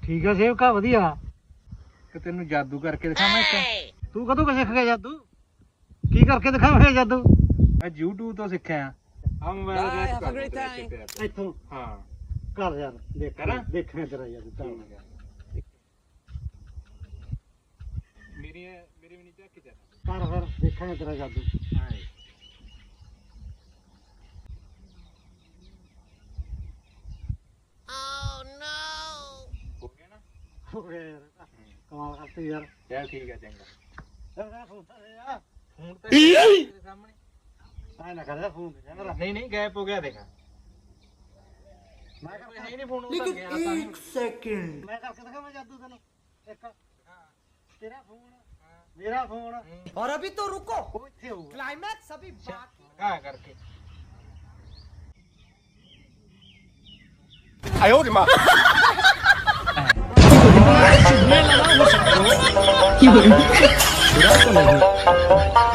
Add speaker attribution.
Speaker 1: ਠੀਕ ਆ ਸੇਵਕਾ ਵਧੀਆ।
Speaker 2: ਕਿ ਤੈਨੂੰ ਜਾਦੂ ਕਰਕੇ ਦਿਖਾਵਾਂ ਇੱਕ।
Speaker 1: ਤੂੰ ਕਦੋਂ ਕੁ ਸਿੱਖ ਗਿਆ ਜਾਦੂ? ਕੀ ਕਰਕੇ ਦਿਖਾਵੇਂਗਾ ਜਾਦੂ?
Speaker 2: ਮੈਂ YouTube ਤੋਂ ਸਿੱਖਿਆ ਆ ਮੋਬਾਈਲ ਗੈਸ ਕਰ
Speaker 1: ਇੱਥੋਂ
Speaker 2: ਹਾਂ
Speaker 1: ਕਰ ਯਾਰ ਦੇਖ
Speaker 2: ਕਰਾਂ?
Speaker 1: ਦੇਖਣੇ ਤੇਰਾ ਜਾਦੂ ਚੱਲ।
Speaker 2: ਮੇਰੀ ਵੀ ਨਹੀਂ ਚੱਕ ਜਾ
Speaker 1: ਕਰ ਫਿਰ ਦੇਖਾਂਗੇ ਤੇਰਾ ਜਾਦੂ।
Speaker 2: ਹਾਂ ਹੋ ਗਿਆ ਨਾ
Speaker 1: ਹੋ ਗਿਆ ਯਾਰ ਕਮਾਲ ਕਰਤੀ ਯਾਰ।
Speaker 2: ਚੱਲ ਠੀਕ ਹੈ ਚੰਗਾ
Speaker 1: ਫੋਨ
Speaker 2: ਫੋਨ ਤੇ ਤੇਰੇ ਸਾਹਮਣੇ
Speaker 1: ਆਏ ਨਾ ਕਰ ਫੋਨ ਤੇ ਮੇਰਾ।
Speaker 2: ਨਹੀਂ ਨਹੀਂ ਗਾਇਬ ਹੋ ਗਿਆ ਦੇਖਾ
Speaker 1: ਮੈਂ ਕਰਕੇ
Speaker 2: ਹੈ ਨਹੀਂ ਫੋਨ ਉਧਰ ਗਿਆ ਤਾਂ ਨਹੀਂ
Speaker 1: ਮੈਂ ਕਰਕੇ ਦਿਖਾਵਾਂ ਜਾਦੂ ਤੈਨੂੰ ਇੱਕ। ਤੇਰਾ ਫੋਨ ਮੇਰਾ ਫੋਨ
Speaker 3: और अभी तो रुको,
Speaker 1: ਉਹ ਇੱਥੇ ਹੋਊਗਾ।
Speaker 3: क्लाइमैक्स अभी बाकी।
Speaker 2: ਲਗਾ ਕਰਕੇ
Speaker 4: কি বলে